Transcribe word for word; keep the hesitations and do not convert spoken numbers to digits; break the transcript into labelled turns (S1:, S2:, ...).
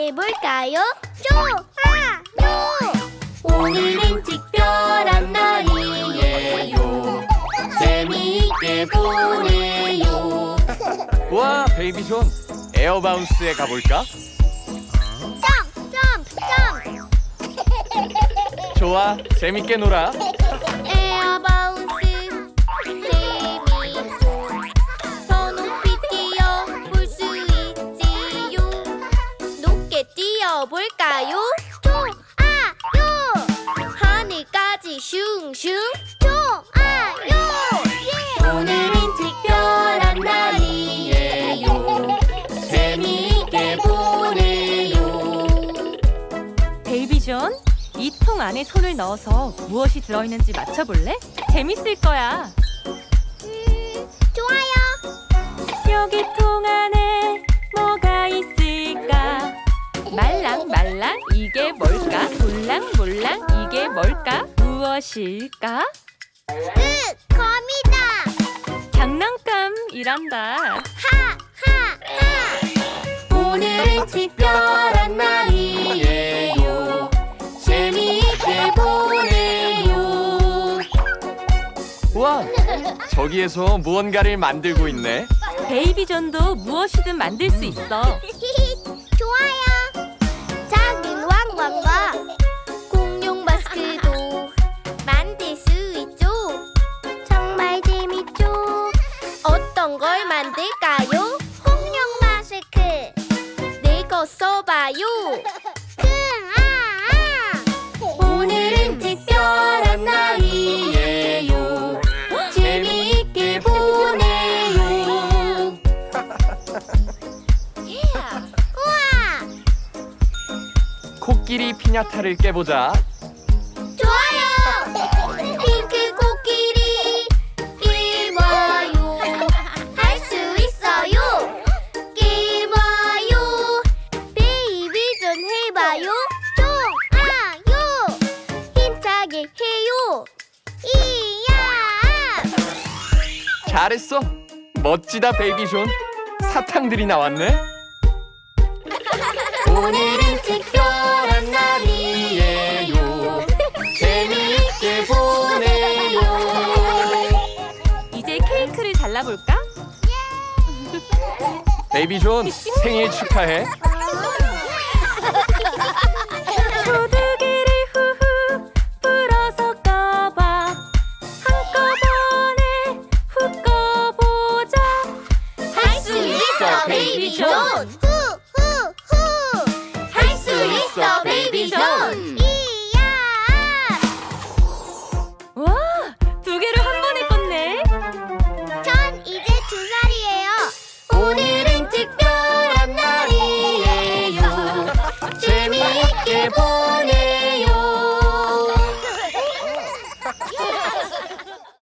S1: 해볼까요? 좋아요! 오늘은 특별한 날이에요. 재미있게 보내요.
S2: 와, 베이비존, 에어바운스에 가볼까?
S1: 점프 점프 점프.
S2: 좋아, 재밌게 놀아.
S1: 에어바운스 재미있죠. 더 높이 뛰어볼 수 있지요. 높게 뛰어볼까요? 좋아요. 하늘까지 슝슝. 좋아요. 오늘은 특별한 날이에요. 재미있게 보내요.
S3: 베이비존, 이 통 안에 손을 넣어서 무엇이 들어있는지 맞춰볼래? 재밌을 거야.
S1: 음, 좋아요.
S3: 여기 통 안에 뭐가 있을까? 말랑말랑 이게 뭘까? 몰랑몰랑 이게 뭘까? 무엇일까?
S1: 으, 거미다.
S3: 장난감이란다.
S1: 하하하. 오늘은 특별한 날이에요. 재미있게 보내요.
S2: 우와, 저기에서 무언가를 만들고 있네.
S3: 베이비존도 무엇이든 만들 수 있어.
S1: 좋아요. 작은 왕관과 공룡 마스크도 만들 수 있죠. 정말 재밌죠. 어떤 걸 만들까요? 공룡 마스크. 내거 써봐요. 오늘은 특별한 날이에요. 재미있게 보내요. 우와!
S2: 코끼리 피냐타를 깨보자.
S1: 좋아요! 핑크 코끼리 깨봐요. 할 수 있어요. 깨봐요. 베이비존 해봐요. 좋아요. 힘차게 해요. 이야!
S2: 잘했어. 멋지다, 베이비존. 사탕들이 나왔네.
S1: 오늘은 특별한 날이에요. 재미있게 보내요.
S3: 이제 케이크를 잘라볼까?
S2: 베이비존, 생일 축하해.
S3: 조두기를 후후 불어서 꺼봐. 한꺼번에 훅 꺼보자.
S1: 할 수 있어, 베이비존.